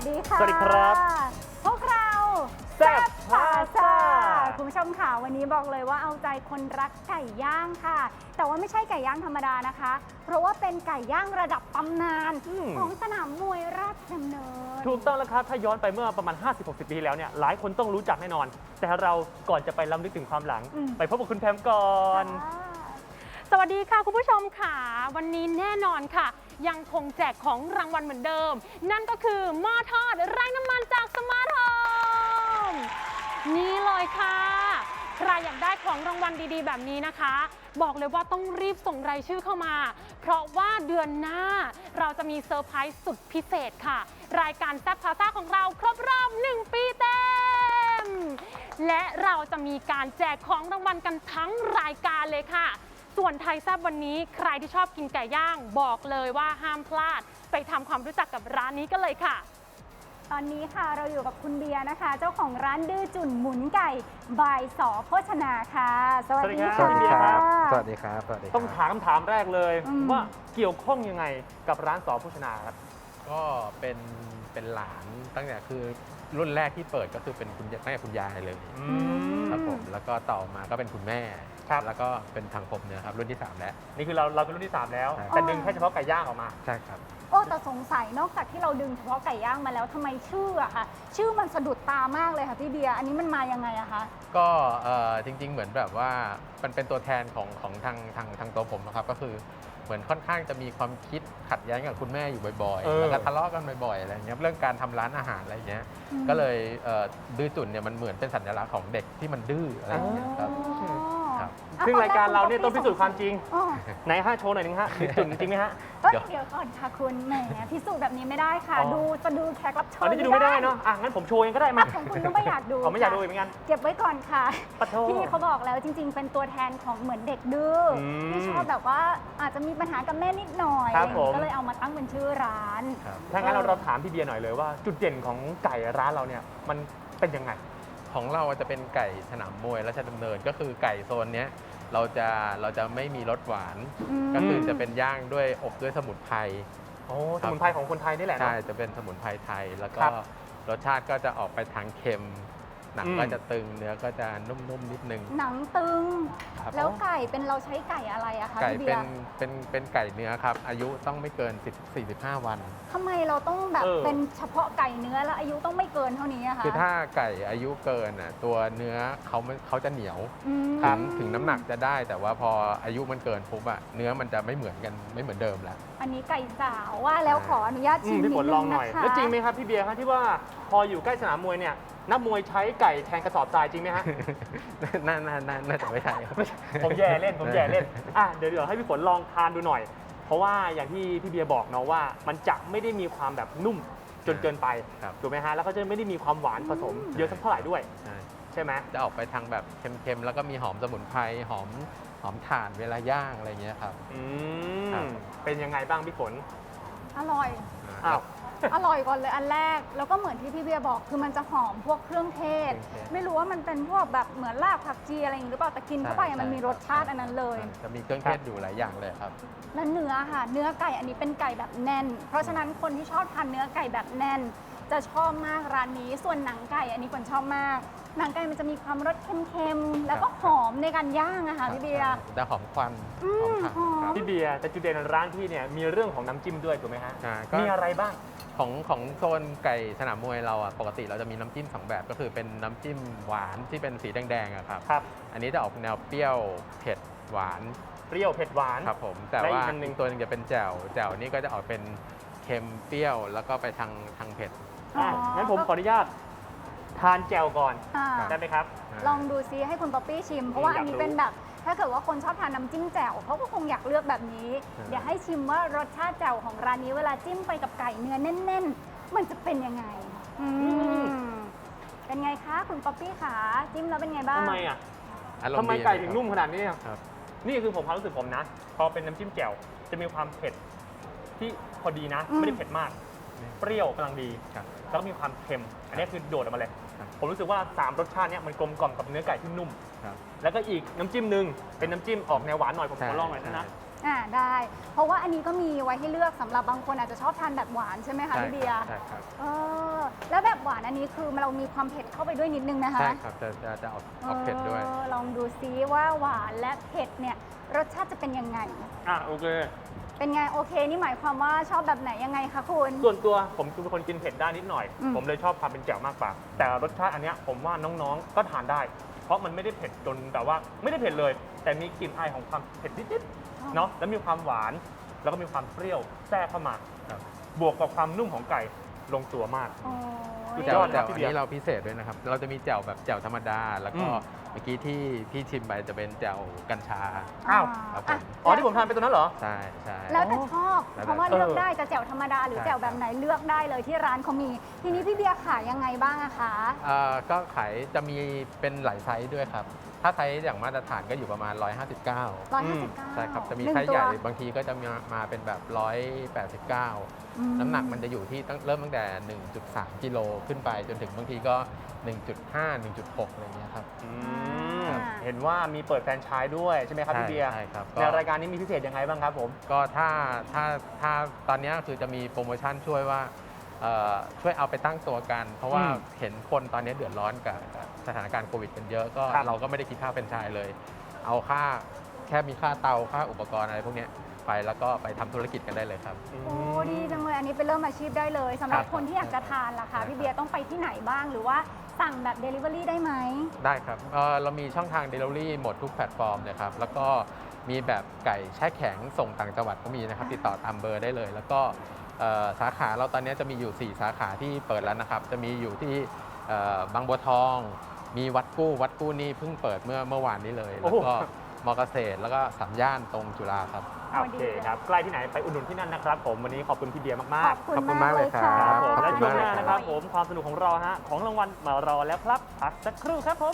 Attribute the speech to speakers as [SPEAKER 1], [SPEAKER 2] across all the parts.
[SPEAKER 1] ดีค่ะ
[SPEAKER 2] สวัสดีครับ
[SPEAKER 1] พวกเรา
[SPEAKER 2] แซ่บพาซ่า
[SPEAKER 1] คุณผู้ชมค่ะวันนี้บอกเลยว่าเอาใจคนรักไก่ย่างค่ะ แต่ว่าไม่ใช่ไก่ย่างธรรมดานะคะ เพราะว่าเป็นไก่ย่างระดับตำนานของสนามมวยราชดำเนิน
[SPEAKER 2] ถูกต้องแล้วครับถ้าย้อนไปเมื่อประมาณ 50-60 ปีที่แล้วเนี่ยหลายคนต้องรู้จักแน่นอน แต่เราก่อนจะไปล้ำลึกถึงความหลัง ไปพบกับคุณแพมก่อน
[SPEAKER 3] สวัสดีค่ะคุณผู้ชมค่ะวันนี้แน่นอนค่ะ ยังคงแจกของรางวัลเหมือนเดิม นั่นก็คือหม้อทอดไร้น้ำมันจากสมาร์ทโฮมนี่เลยค่ะใครอยากได้ของรางวัลดีๆแบบนี้นะคะ บอกเลยว่าต้องรีบส่งรายชื่อเข้ามา เพราะว่าเดือนหน้าเราจะมีเซอร์ไพรส์สุดพิเศษค่ะ รายการแซ่บพาซ่าของเราครบรอบ1 ปีเต็มและเราจะมีการแจกของรางวัลกันทั้งรายการเลยค่ะส่วนไทยแซ่บวันนี้ใครที่ชอบกินไก่ย่างบอกเลยว่าห้ามพลาดไปทำความรู้จักกับร้านนี้กันเลยค่ะ
[SPEAKER 1] ตอนนี้ค่ะเราอยู่กับคุณเบียร์นะคะ เจ้าของร้านดื้อจุ่นหมุนไก่บายสอโภชนาค่ะ สวัสดี
[SPEAKER 2] สวั
[SPEAKER 1] ค่ะ
[SPEAKER 2] สดีครับ
[SPEAKER 4] สวัสดีครับ สวัสดีครับ
[SPEAKER 2] ต้องถามคำถามแรกเลย ว่าเกี่ยวข้องยังไงกับร้านสอโภชนาครับ
[SPEAKER 4] ก็เป็นหลานตั้งแต่คือรุ่นแรกที่เปิดก็คือเป็นคุณตั้งแต่คุณยายเลยครับผมแล้วก็ต่อมาก็เป็นคุณแม่
[SPEAKER 2] ครับ
[SPEAKER 4] แล้วก็เป็นทางผมเนี่ยครับรุ่นที่ 3 แล้ว
[SPEAKER 2] นี่คือเราเป็นรุ่นที่ 3 แล้ว
[SPEAKER 4] ใช่
[SPEAKER 2] แต่ดึงแค่เฉพาะไก่ย่างออกมา
[SPEAKER 4] ใช่ครับ
[SPEAKER 1] โอ้แต่สงสัยนอกจากที่เราดึงเฉพาะไก่ย่างมาแล้วทำไมชื่ออะคะชื่อมันสะดุดตามากเลยค่ะพี่เบียร์อันนี้มันมายังไงอะคะ
[SPEAKER 4] ก็จริง ๆ เหมือนแบบว่ามันเป็นตัวแทนของทางตัวผมนะครับก็คือเหมือนค่อนข้างจะมีความคิดขัดแย้งกับคุณแม่อยู่บ่อย
[SPEAKER 2] เออ
[SPEAKER 4] ๆแล้วก็ทะเลาะกันบ่อยๆอะไรเงี้ยเรื่องการทำร้านอาหารอะไรเงี้ยก็เลยดื้อจุ่นเนี่ยมันเหมือนเป็นสัญลักษณ์ของเด็กที่มันดื้ออะไรเงี้ยครับ ครับ
[SPEAKER 2] ซึ่งรายการเราเนี่ยต้องพิสูจน์ความจริง
[SPEAKER 1] อ๋อ
[SPEAKER 2] ไหนฮะโชว์หน่อยหนึงฮะมีจุดจริงไหมฮะ
[SPEAKER 1] เอ้ย
[SPEAKER 4] เดี๋ยว
[SPEAKER 1] เดี๋ยวก่อนค่ะคุณแหมพิสูจน์แบบนี้ไม่ได้ค่ะ
[SPEAKER 2] อ๋อ
[SPEAKER 1] ดูจะดูแขกรับเชิญ
[SPEAKER 2] อันนี้จะดูไม่ได้เนาะงั้นผมโชว์เองก็ได้มา
[SPEAKER 1] ของคุณก็ไม่อยากดู
[SPEAKER 2] ผมไม่อยากดู
[SPEAKER 1] ค่ะ
[SPEAKER 2] เหมือนกัน
[SPEAKER 1] เก็บไว้ก่อนค่ะ
[SPEAKER 2] ปะโท
[SPEAKER 1] พี่เขาบอกแล้วจริง ๆ เป็นตัวแทนของเหมือนเด็กดื้ออ
[SPEAKER 2] ม
[SPEAKER 1] ที่ชอบแบบว่าอาจจะมีปัญหากับแม่นิดหน่อย
[SPEAKER 2] ครับผม
[SPEAKER 1] ก็เลยเอามาตั้งเป็นชื่อร้าน
[SPEAKER 4] ครับ
[SPEAKER 2] ถ้างั้นเราถามพี่เบียร์หน่อยเลยว่าจุดเด่นของไก่ร้านเราเนี่ยมันเป็นยังไง
[SPEAKER 4] ของเราจะเป็นไก่สนามมวยราชดำเนินก็คือไก่โซนเนี้ยเราจะไม่มีรสหวาน ก็คือจะเป็นย่างด้วยอบด้วยสมุนไพร
[SPEAKER 2] โอ้สมุนไพรของคนไทยนี่แหละ
[SPEAKER 4] ใช่
[SPEAKER 2] เนาะ
[SPEAKER 4] จะเป็นสมุนไพรไทย แล้วก็
[SPEAKER 2] ครับ
[SPEAKER 4] รสชาติก็จะออกไปทางเค็ม หนัง
[SPEAKER 2] อืม
[SPEAKER 4] ก็จะตึงเนื้อก็จะนุ่มๆนิดนึง
[SPEAKER 1] หนังตึง
[SPEAKER 4] ครับ
[SPEAKER 1] แล้วไก่เป็นเราใช้ไก่อะไรอะคะ
[SPEAKER 4] ไก่
[SPEAKER 1] พี่เบี
[SPEAKER 4] เป็
[SPEAKER 1] ย
[SPEAKER 4] น
[SPEAKER 1] ร์
[SPEAKER 4] เป็นไก่เนื้อครับ อายุต้องไม่เกิน45 วัน
[SPEAKER 1] ทำไมเราต้องแบบเป็นเฉพาะไก่เนื้อแล้วอายุต้องไม่เกินเท่านี้อะคะ
[SPEAKER 4] คือถ้าไก่อายุเกินอ่ะตัวเนื้อเขาจะเหนียว
[SPEAKER 1] อืม
[SPEAKER 4] ถึงน้ำหนักจะได้ แต่ว่าพออายุมันเกินปุ๊บอะเนื้อมันจะไม่เหมือนกันไม่เหมือนเดิมแล้ว
[SPEAKER 1] อันนี้ไก่สาวว่าแล้วขออนุญาตชิม
[SPEAKER 2] พี่
[SPEAKER 1] นิ
[SPEAKER 2] ฝ
[SPEAKER 1] ด
[SPEAKER 2] น
[SPEAKER 1] นึ
[SPEAKER 2] ลอง
[SPEAKER 1] ง
[SPEAKER 2] หน่อย
[SPEAKER 1] นะคะ
[SPEAKER 2] แล้วจริงไหมครับพี่เบียร์ฮะที่ว่าพออยู่ใกล้สนามมวยเนี่ยนักมวยใช้ไก่แทนกระสอบทรายจริงไหมฮะ
[SPEAKER 4] น่าจะไม่ใช่ครับ
[SPEAKER 2] ผมแย่เล่นเดี๋ยวให้พี่ฝนลองทานดูหน่อย เพราะว่าอย่างที่พี่เบียร์บอกเนาะว่ามันจะไม่ได้มีความแบบนุ่มจนเกินไป
[SPEAKER 4] ครับ
[SPEAKER 2] ถูกไหมฮะแล้วก็จะไม่ได้มีความหวานผสมเยอะสักเท่าไหร่ด้วย
[SPEAKER 4] ใช่
[SPEAKER 2] ใช่ไหม
[SPEAKER 4] จะออกไปทางแบบเค็มๆ แล้วก็มีหอมสมุนไพรหอมถ่านเวลาย่างอะไรเงี้ยครับ
[SPEAKER 2] อื
[SPEAKER 4] ครั
[SPEAKER 2] ม
[SPEAKER 4] บ
[SPEAKER 2] เป็นยังไงบ้างพี่ฝน
[SPEAKER 1] อร่อย
[SPEAKER 2] อ้าว
[SPEAKER 1] อร่อยก่อนเลยอันแรก แล้วก็เหมือนที่พี่เบียร์บอกคือมันจะหอมพวกเครื่องเทศ ไม่รู้ว่ามันเป็นพวกแบบเหมือนรากผักชีอะไรอย่างนี้หรือเปล่าแต่กินเข้าไปอะมันมีรสชาติอันนั้นเลย
[SPEAKER 4] จะมีเครื่องเทศอยู่หลายอย่างเลยครับ
[SPEAKER 1] แล้วเนื้อค่ะ เนื้อไก่อันนี้เป็นไก่แบบแน่น เพราะฉะนั้นคนที่ชอบทานเนื้อไก่แบบแน่น จะชอบมากร้านนี้ ส่วนหนังไก่อันนี้คนชอบมาก หนังไก่มันจะมีความรสเค็มๆแล้วก็หอมในการย่างอะค่ะพี่เบียร์
[SPEAKER 4] จะหอมควันหอมถ่าน
[SPEAKER 1] หอม
[SPEAKER 4] ครับ
[SPEAKER 2] พี่เบียร์แต่จุดเด่นร้านพี่เนี่ยมีเรื่องของน้ำจิ้มด้วยถูกไหมฮะ
[SPEAKER 4] ก็
[SPEAKER 2] มีอะไรบ้าง
[SPEAKER 4] ของโซนไก่สนามมวยเราอ่ะปกติเราจะมีน้ำจิ้ม2แบบก็คือเป็นน้ำจิ้มหวานที่เป็นสีแดงๆอะครับ
[SPEAKER 2] ครับ
[SPEAKER 4] อันนี้จะออกแนวเปรี้ยวเผ็ดหวาน
[SPEAKER 2] เปรี้ยวเผ็ดหวาน
[SPEAKER 4] ครับผมแต่
[SPEAKER 2] และอี
[SPEAKER 4] ว่าก
[SPEAKER 2] อันหนึ่ง
[SPEAKER 4] อีกตัวหนึงจะเป็นแจ่วนี่ก็จะออกเป็นเค็มเปรี้ยวแล้วก็ไปทางเผ็ด
[SPEAKER 2] งั้นผมขออนุญาตทานแจ่วก่อน
[SPEAKER 1] อ่า
[SPEAKER 2] ได้ไหมครับ
[SPEAKER 1] ลองดูซิให้คุณป๊อปปี้ชิม เพราะว่าอันนี้เป็นแบบ ถ้าเกิดว่าคนชอบทานน้ำจิ้มแจ่วเขาก็คงอยากเลือกแบบนี้ เดี๋ยวให้ชิมว่ารสชาติแจ่วของร้านนี้เวลาจิ้มไปกับไก่เนื้อแน่น ๆ มันจะเป็นยังไงเป็นไงคะคุณป๊อปปี้ขาจิ้มแล้วเป็นไงบ้าง
[SPEAKER 2] ทำไมอ่ะ
[SPEAKER 4] อารมณ์
[SPEAKER 2] ทำไม
[SPEAKER 4] ดี
[SPEAKER 2] ไก่ถึงนุ่มขนาดนี้อ่ะ
[SPEAKER 4] ครับ
[SPEAKER 2] นี่คือผมความรู้สึกผมนะ พอเป็นน้ำจิ้มแจ่วจะมีความเผ็ดที่พอดีนะ
[SPEAKER 1] อืม
[SPEAKER 2] ไม่ได้เผ็ดมาก เปรี้ยวกำลังดี
[SPEAKER 4] ครับ
[SPEAKER 2] แล้วก็มีความเค็ม อันนี้คือโดดออกมาเลย
[SPEAKER 4] ครับ
[SPEAKER 2] ผมรู้สึกว่า 3 รสชาติเนี้ยมันกลมกล่อมกับเนื้อไก่ที่นุ่ม
[SPEAKER 4] ครับ
[SPEAKER 2] แล้วก็อีกน้ำจิ้มหนึ่งเป็นน้ำจิ้มออกแนวหวานหน่อยผมขอลองหน่อยนะ
[SPEAKER 1] ได้ เพราะว่าอันนี้ก็มีไว้ให้เลือกสำหรับบางคนอาจจะชอบทานแบบหวานใช่ไหมคะ
[SPEAKER 4] ใช่
[SPEAKER 1] พี่เบียร์
[SPEAKER 4] ใช่ครับ
[SPEAKER 1] แล้วแบบหวานอันนี้คือเรามีความเผ็ดเข้าไปด้วยนิดนึงนะคะ
[SPEAKER 4] ใช่ครับจะออกเผ็ดด้วย
[SPEAKER 1] ลองดูซิว่าหวานและเผ็ดเนี่ยรสชาติจะเป็นยังไง
[SPEAKER 2] โอเค
[SPEAKER 1] เป็นไงโอเคนี่หมายความว่าชอบแบบไหนยังไงคะคุณ
[SPEAKER 2] ส่วนตัวผมเป็นคนกินเผ็ดได้นิดหน่อย
[SPEAKER 1] อืม
[SPEAKER 2] ผมเลยชอบความเป็นแจ่วมากกว่า แต่รสชาติอันเนี้ยผมว่าน้องๆก็ทานได้ เพราะมันไม่ได้เผ็ดจนแบบว่าไม่ได้เผ็ดเลย แต่มีกลิ่นอายของความเผ็ดนิดๆเนาะแล้วมีความหวานแล้วก็มีความเปรี้ยวแทรกเข้ามา
[SPEAKER 4] ครับ
[SPEAKER 2] บวกกับความนุ่มของไก่ลงตัวมาก
[SPEAKER 1] โอ้ย
[SPEAKER 2] สุด
[SPEAKER 4] แจ่
[SPEAKER 2] ยว อด
[SPEAKER 4] แจ่ว
[SPEAKER 2] พี่
[SPEAKER 4] อัน
[SPEAKER 2] เบียร์
[SPEAKER 4] นี้เราพิเศษด้วยนะครับ เราจะมีแจ่วแบบแจ่วธรรมดา แล้วก็
[SPEAKER 2] อืม
[SPEAKER 4] เมื่อกี้ที่พี่ชิมไปจะเป็นแจ่วกัญชา
[SPEAKER 2] อ้าว
[SPEAKER 4] ครับผม
[SPEAKER 2] อ๋อที่ผมทานไปตัวนั้นเหรอ
[SPEAKER 4] ใช่ใช่
[SPEAKER 1] แล้วแต่ชอบ
[SPEAKER 4] แล้วแต่
[SPEAKER 1] เพราะว่า
[SPEAKER 2] เออ
[SPEAKER 1] เลือกได้จะแจ่วธรรมดาหรือ
[SPEAKER 4] ใช่
[SPEAKER 1] แจ่วแบบไหนเลือกได้เลยที่ร้านเขามี ทีนี้พี่เบียร์ขายยังไงบ้างอะคะ
[SPEAKER 4] ก็ขายจะมีเป็นหลายไซส์ด้วยครับ ถ้าไซส์อย่างมาตรฐานก็อยู่ประมาณ 159
[SPEAKER 1] 159
[SPEAKER 4] ใช่ครับ จะมี
[SPEAKER 1] หนึ่ง
[SPEAKER 4] ไซส์
[SPEAKER 1] ตัว
[SPEAKER 4] ใหญ่บางทีก็จะมาเป็นแบบ 189 น้ำหนักมันจะอยู่ที่เริ่มตั้งแต่ 1.3 กิโลขึ้นไปจนถึงบางทีก็ 1.5 1.6 อะไรเงี้ยครับ
[SPEAKER 2] อื
[SPEAKER 1] อ่า
[SPEAKER 2] เห็นว่ามีเปิดแฟรนไชส์ด้วยใช่ไหมครับพี่เบียร์
[SPEAKER 4] ใช่ครับ
[SPEAKER 2] ในรายการนี้มีพิเศษยังไงบ้างครับผม
[SPEAKER 4] ก็ถ้าตอนนี้คือจะมีโปรโมชั่นช่วยว่าช่วยเอาไปตั้งตัวกัน เพราะว่า
[SPEAKER 2] อืม
[SPEAKER 4] เห็นคนตอนนี้เดือดร้อนกับสถานการณ์โควิดกันเยอะก็
[SPEAKER 2] ครับ
[SPEAKER 4] เราก็ไม่ได้คิดค่าเป็นไชายเลย เอาแค่มีค่าเตาค่าอุปกรณ์อะไรพวกเนี้ยไปแล้วก็ไปทำธุรกิจกันได้เลยครับ
[SPEAKER 1] โอ้ดีจังเลยอันนี้เป็นเริ่มอาชีพได้เลยสำหรับ
[SPEAKER 4] ครับ
[SPEAKER 1] คนที่อยากจะทานล่ะคะ
[SPEAKER 4] ครับ
[SPEAKER 1] พี่เบียร์ต้องไปที่ไหนบ้างหรือว่าสั่งแบบ Delivery ได้ไหม
[SPEAKER 4] ได้ครับเรามีช่องทาง Delivery หมดทุกแพลตฟอร์มเลยครับ แล้วก็มีแบบไก่แช่แข็งส่งต่างจังหวัดก็มีนะครับ ติดต่อตามเบอร์ได้เลย แล้วก็สาขาเราตอนนี้จะมีอยู่ 4 สาขาที่เปิดแล้วนะครับ จะมีอยู่ที่บางบัวทอง มีวัดกู้นี่เพิ่งเปิดเมื่อวานนี้เลย แล้วก็มอเกษตรแล้วก็สามย่านตรงจุฬาครับ
[SPEAKER 2] โอเคครับ ใกล้ที่ไหนไปอุดหนุนที่นั่นนะครับผม วันนี้ขอบคุณพี่เบียร์มาก
[SPEAKER 1] ขอบ
[SPEAKER 4] ขอบคุ
[SPEAKER 1] คุณ
[SPEAKER 4] ณ
[SPEAKER 1] มาก
[SPEAKER 4] มาก
[SPEAKER 1] เล
[SPEAKER 4] เลย ย
[SPEAKER 1] ค่ะ
[SPEAKER 4] ครับ
[SPEAKER 2] ๆผม
[SPEAKER 4] ขอบ
[SPEAKER 2] และ
[SPEAKER 4] คุณ
[SPEAKER 2] ช่วงห
[SPEAKER 4] มาก
[SPEAKER 2] น้า
[SPEAKER 4] เลย
[SPEAKER 2] นะครับผมความสนุกของเราฮะของรางวัลมารอแล้วครับพักสักครู่ครับผม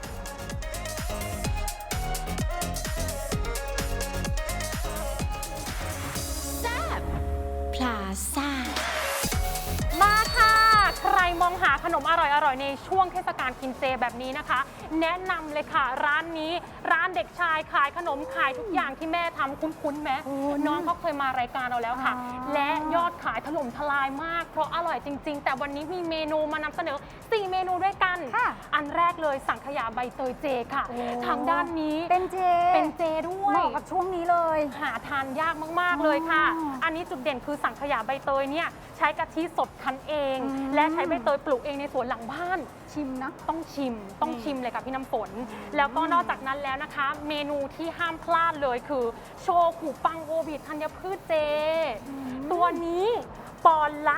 [SPEAKER 5] พลาซ่า
[SPEAKER 3] มาค่ะ ใครมองหาขนมอร่อยๆ ในช่วงเทศกาลกินเจแบบนี้นะคะ แนะนำเลยค่ะ ร้านนี้ร้านเด็กชายขายขนมขายทุกอย่างที่แม่ทำคุ้นๆไหม
[SPEAKER 1] คุ้น
[SPEAKER 3] น้องเขาเคยมารายการเราแล้วค่ะ
[SPEAKER 1] อ๋อ
[SPEAKER 3] และยอดขายถล่มทลายมาก เพราะอร่อยจริง ๆ แต่วันนี้มีเมนูมานำเสนอ 4 เมนูด้วยกัน
[SPEAKER 1] ค่ะ
[SPEAKER 3] อันแรกเลยสังขยาใบเตยเจค่ะ
[SPEAKER 1] โอ้
[SPEAKER 3] ทางด้านนี้
[SPEAKER 1] เป็นเจ
[SPEAKER 3] เป็นเจด้วย
[SPEAKER 1] เหมาะกับช่วงนี้เลย
[SPEAKER 3] หาทานยากมาก ๆ เลยค่ะ
[SPEAKER 1] อ๋ออั
[SPEAKER 3] อันนี้จุดเด่นคือสังขยาใบเตยเนี่ยใช้กะทิสดคั้นเอง
[SPEAKER 1] อืม
[SPEAKER 3] และใช้ใบเตยปลูกเองในสวนหลังบ้าน
[SPEAKER 1] ชิมนะ
[SPEAKER 3] ต้องชิมเลยค่ะพี่น้ำฝน แล้วก็นอกจากนั้นแล้วนะคะ เมนูที่ห้ามพลาดเลยคือ โชกุปังโอบิธัญพืชเจ ตัวนี้ปอนด์ละ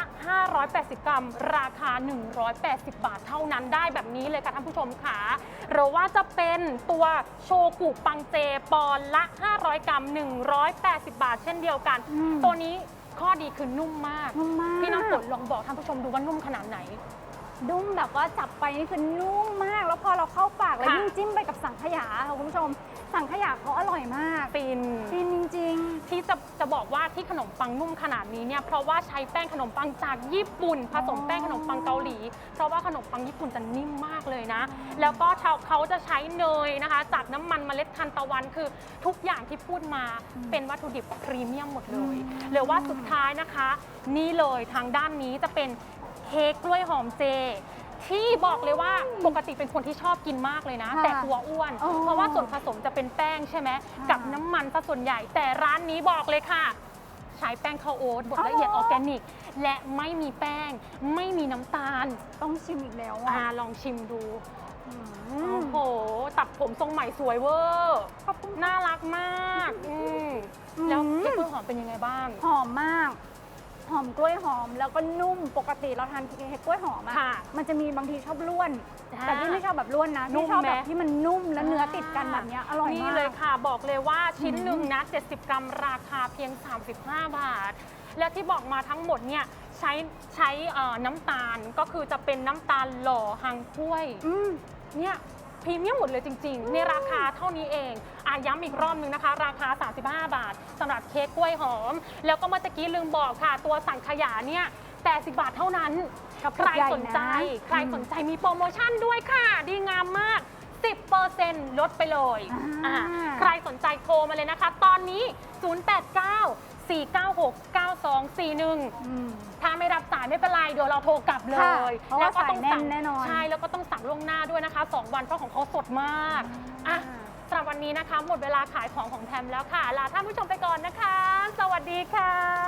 [SPEAKER 3] 580 กรัม ราคา 180 บาทเท่านั้นได้แบบนี้เลยค่ะท่านผู้ชมค่ะหรือว่าจะเป็นตัวโชกุปังเจ ปอนด์ละ 500 กรัม 180 บาทเช่นเดียวกัน
[SPEAKER 1] อืม
[SPEAKER 3] ตัวนี้ข้อดีคือนุ่มมาก
[SPEAKER 1] นุ่มมาก
[SPEAKER 3] พี่น้ำฝนลองบอกท่านผู้ชมดูว่านุ่มขนาดไหน
[SPEAKER 1] นุ่มแบบว่าจับไปนี่คือนุ่มมาก แล้วพอเราเข้าปากแล้ว
[SPEAKER 3] ค่ะ
[SPEAKER 1] ยิ่งจิ้มไปกับสังขยาค่ะคุณผู้ชม สังขยาเขาอร่อยมาก
[SPEAKER 3] ฟิน
[SPEAKER 1] ฟินจริง
[SPEAKER 3] ที่จะบอกว่าที่ขนมปังนุ่มขนาดนี้เนี่ยเพราะว่าใช้แป้งขนมปังจากญี่ปุ่น ผสมแป้งขนมปังเกาหลี เพราะว่าขนมปังญี่ปุ่นจะนิ่มมากเลยนะ แล้วก็เขาจะใช้เนยนะคะ จากน้ำมันเมล็ดทานตะวันคือทุกอย่างที่พูดมาเป็นวัตถุดิบพรีเมียมหมดเลยหรือว่าสุดท้ายนะคะ นี่เลยทางด้านนี้จะเป็นเค้กกล้วยหอมเจ ที่บอกเลยว่าปกติเป็นคนที่ชอบกินมากเลยนะ
[SPEAKER 1] ค่ะ
[SPEAKER 3] แต่กลัวอ้วน
[SPEAKER 1] อ๋อ
[SPEAKER 3] เพราะว่าส่วนผสมจะเป็นแป้งใช่ไหม
[SPEAKER 1] ค่ะ
[SPEAKER 3] กับน้ำมันซะส่วนใหญ่ แต่ร้านนี้บอกเลยค่ะ ใช้แป้งข้าวโอ๊ตบดละเอียด
[SPEAKER 1] อ๋
[SPEAKER 3] อ
[SPEAKER 1] อ
[SPEAKER 3] อร์แกนิก และไม่มีแป้ง ไม่มีน้ำตาล
[SPEAKER 1] ๆ ต้องชิมอีกแล้ว
[SPEAKER 3] อ่า
[SPEAKER 1] อ่ะ
[SPEAKER 3] ลองชิมดู
[SPEAKER 1] อื
[SPEAKER 3] โอ้
[SPEAKER 1] ม
[SPEAKER 3] โห ตัดผมทรงใหม่สวยเวอร์
[SPEAKER 1] ขอบคุณ
[SPEAKER 3] น่ารักมากแล้วเค้กกล้วยหอมเป็นยังไงบ้าง
[SPEAKER 1] หอมมาก หอมกล้วยหอมแล้วก็นุ่มปกติเราทานเค้กกล้วยหอมอะ
[SPEAKER 3] ค่ะ
[SPEAKER 1] มันจะมีบางทีชอบล้วน
[SPEAKER 3] อ่า
[SPEAKER 1] แต่ที่ไม่ชอบแบบล้วนนะ
[SPEAKER 3] นุ่
[SPEAKER 1] ที่
[SPEAKER 3] ม
[SPEAKER 1] ชอบ
[SPEAKER 3] ไหม
[SPEAKER 1] แบบที่มันนุ่มและเนื้อติดกันแบบเนี้ยอร่อยมาก
[SPEAKER 3] นี่เลยค่ะบอกเลยว่าชิ้นหนึ่งนะ 70 กรัมราคาเพียง 35 บาท และที่บอกมาทั้งหมดเนี่ยใช้น้ำตาลก็คือจะเป็นน้ำตาลหล่อหังถ้วย
[SPEAKER 1] อืม
[SPEAKER 3] เนี่ยพรีเมียมหมดเลยจริงๆ ในราคาเท่านี้เองย้ำอีกรอบนึงนะคะ ราคา 35 บาทสำหรับเค้กกล้วยหอม แล้วก็เมื่อตะกี้ลืมบอกค่ะ ตัวสังขยาเนี่ย80 บาทเท่านั้น
[SPEAKER 1] กับ
[SPEAKER 3] ใคร
[SPEAKER 1] ใหญ่
[SPEAKER 3] สนใจ
[SPEAKER 1] นะ
[SPEAKER 3] ใครสนใจมีโปรโมชั่นด้วยค่ะ ดีงามมาก 10%ลดไปเลย
[SPEAKER 1] อ่า
[SPEAKER 3] ใครสนใจโทรมาเลยนะคะ ตอนนี้ 089-496-9241
[SPEAKER 1] อืม
[SPEAKER 3] ถ้าไม่รับสายไม่เป็นไร เดี๋ยวเราโทรกลับเล
[SPEAKER 1] ค่ะ
[SPEAKER 3] ย
[SPEAKER 1] เพราะว่าสายแน่นแน่นอน
[SPEAKER 3] ใช่ แล้วก็ต้องสั่งล่วงหน้าด้วยนะคะ 2 วันเพราะของเขาสดมากอ่ะสำหรับวันนี้นะคะ หมดเวลาขายของของแทมแล้วค่ะ ลาท่านผู้ชมไปก่อนนะคะ สวัสดีค่ะ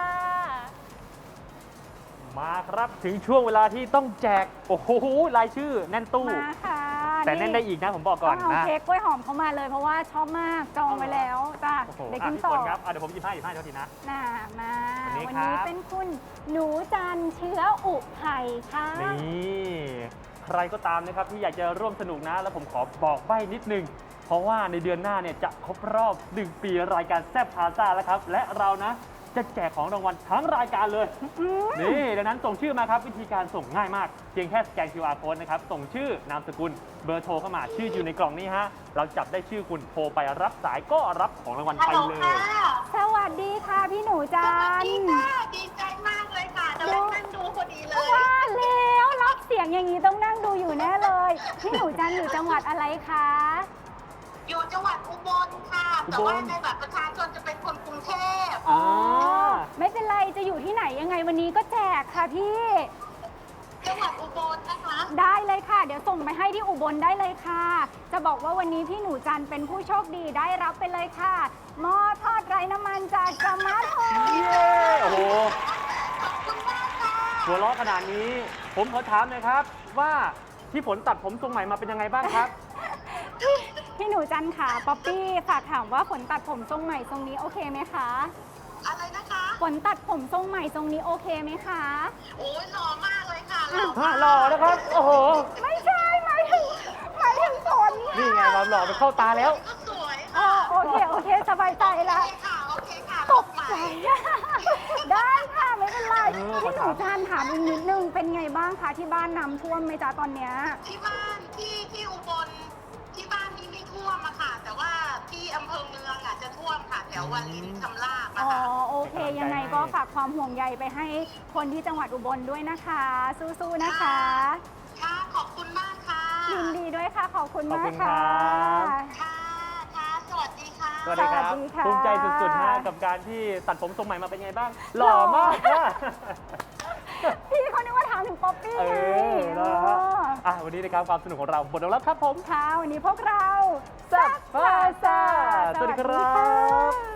[SPEAKER 2] มาครับถึงช่วงเวลาที่ต้องแจก โอ้โหรายชื่อแน่นตู้
[SPEAKER 1] มาค่ะ
[SPEAKER 2] แต่แน่นได้อีกนะผมบอกก่อน
[SPEAKER 1] ต้องเอา
[SPEAKER 2] นะ
[SPEAKER 1] เค้กกล้วยหอมเข้ามาเลยเพราะว่าชอบมากจองไว้แล้วจ้ะ
[SPEAKER 2] โอ้โห
[SPEAKER 1] เดี๋ยว
[SPEAKER 2] อ่ะ
[SPEAKER 1] กิน
[SPEAKER 2] พี่
[SPEAKER 1] ต่
[SPEAKER 2] ฝ
[SPEAKER 1] อน
[SPEAKER 2] ครับเดี๋ยวผมหยิบให้เท่าทีนะ
[SPEAKER 1] น่ามา
[SPEAKER 2] วันนี้
[SPEAKER 1] วัน
[SPEAKER 2] ครั
[SPEAKER 1] นี้
[SPEAKER 2] บ
[SPEAKER 1] เป็นคุณหนูจันเชื้ออุไผ่ค่ะ
[SPEAKER 2] นี่ใครก็ตามนะครับที่อยากจะร่วมสนุกนะ แล้วผมขอบอกใบ้นิดนึง เพราะว่าในเดือนหน้าเนี่ยจะครบรอบ 1 ปีรายการแซ่บพาซ่าแล้วครับ และเรานะจะแจกของรางวัลทั้งรายการเลย นี่ดังนั้นส่งชื่อมาครับ วิธีการส่งง่ายมาก เพียงแค่สแกน QR code นะครับ ส่งชื่อนามสกุลเบอร์โทรเข้ามาชื่ออยู่ในกล่องนี้ฮะ เราจับได้ชื่อคุณโทรไปรับสายก็รับของรางวัลไปเลย
[SPEAKER 1] สวัสดีค่ะพี่หนูจัน
[SPEAKER 6] ดีใจมากเลยค่ะกำลังนั่งดูพอดีเลย
[SPEAKER 1] ว่าแล้วรับเสียงอย่างนี้ต้องนั่งดูอยู่แน่เลย พี่หนูจันอยู่จังหวัดอะไรคะ
[SPEAKER 6] อยู่จังหวัดอุบลค่ะ แต่ว่าในบัตรประชาชนจะเป็นคนกรุงเทพ
[SPEAKER 2] อ่า
[SPEAKER 1] ไม่เป็นไรจะอยู่ที่ไหนยังไงวันนี้ก็แจกค่ะพี่
[SPEAKER 6] จังหวัดอุบลนะคะ
[SPEAKER 1] ได้เลยค่ะ เดี๋ยวส่งไปให้ที่อุบลได้เลยค่ะ จะบอกว่าวันนี้พี่หนูจันเป็นผู้โชคดีได้รับไปเลยค่ะหม้อทอดไร้น้ำมันจากสมาร์ทโฮม
[SPEAKER 2] เย้โอ้โห
[SPEAKER 6] ขอบคุณมากค่ะ
[SPEAKER 2] หัวเราะขนาดนี้ ผมขอถามหน่อยครับ ว่าพี่ฝนตัดผมทรงใหม่มาเป็นยังไงบ้างครับ
[SPEAKER 1] พี่หนูจันค่ะป๊อปปี้ฝากถามว่าฝนตัดผมทรงใหม่ทรงนี้โอเคไหมคะ
[SPEAKER 6] อะไรนะคะ
[SPEAKER 1] ฝนตัดผมทรงใหม่ทรงนี้โอเคไหมคะ
[SPEAKER 6] โอ้ยหล่อมากเลยค่ะหล่อ
[SPEAKER 2] ฮะหล่อนะครับ โอ้โห
[SPEAKER 1] ไม่ใช่หมายถึงฝน
[SPEAKER 2] นี่ไงความหล่อไปเข้าตาแล้ว
[SPEAKER 6] ก็สวย
[SPEAKER 1] อ๋อโอเคสบายใจ
[SPEAKER 6] โอ
[SPEAKER 1] ละ
[SPEAKER 6] เคค่ะ โอเคค่ะ
[SPEAKER 1] ตกใจได้ค่ะไม่เป็นไร
[SPEAKER 2] เออ
[SPEAKER 1] พี่หนูจันถามอีกนิดนึงเป็นไงบ้างคะที่บ้านน้ำท่วมไหมจ๊ะตอนเนี้ย
[SPEAKER 6] ที่บ้านที่อุบลที่บ้านนี้ไม่ท่วมอะค่ะ แต่ว่าที่อำเภอเมืองอะจะท่วมค่ะ แถววารินชำราบอะ
[SPEAKER 1] อ๋อ
[SPEAKER 6] ค่ะ
[SPEAKER 1] โอเค ยังไงก็ฝากความห่วงใยไปให้คนที่จังหวัดอุบลด้วยนะคะ สู้ๆนะคะ
[SPEAKER 6] ค่ะ ขอบคุณมากค่ะ
[SPEAKER 1] ยินดีด้วยค่ะ ขอบคุณ
[SPEAKER 2] ขอบ
[SPEAKER 1] มา
[SPEAKER 2] คุ
[SPEAKER 1] ก
[SPEAKER 2] ณ
[SPEAKER 1] ค่ะ
[SPEAKER 2] ครับ
[SPEAKER 6] ค่ะ ค่ะ สวัสดีค่ะ
[SPEAKER 2] สวัสดีครับ
[SPEAKER 1] สวัสดีค่ะ
[SPEAKER 2] ภูมิใจสุดๆฮะกับการที่ตัดผมทรงใหม่มาเป็นไงบ้าง หล่อมากค่ะ
[SPEAKER 1] พี่เขานึกว่าถามถึงป๊อปปี้
[SPEAKER 2] เอ
[SPEAKER 1] ไง
[SPEAKER 2] อนะฮะอ่ะวันนี้นะครับความสนุกของเราหมดลงแล้วครับผม
[SPEAKER 1] ค่ะวันนี้พวกเรา
[SPEAKER 2] แซ่บพาซ่าสวัสดีครับ
[SPEAKER 1] ะ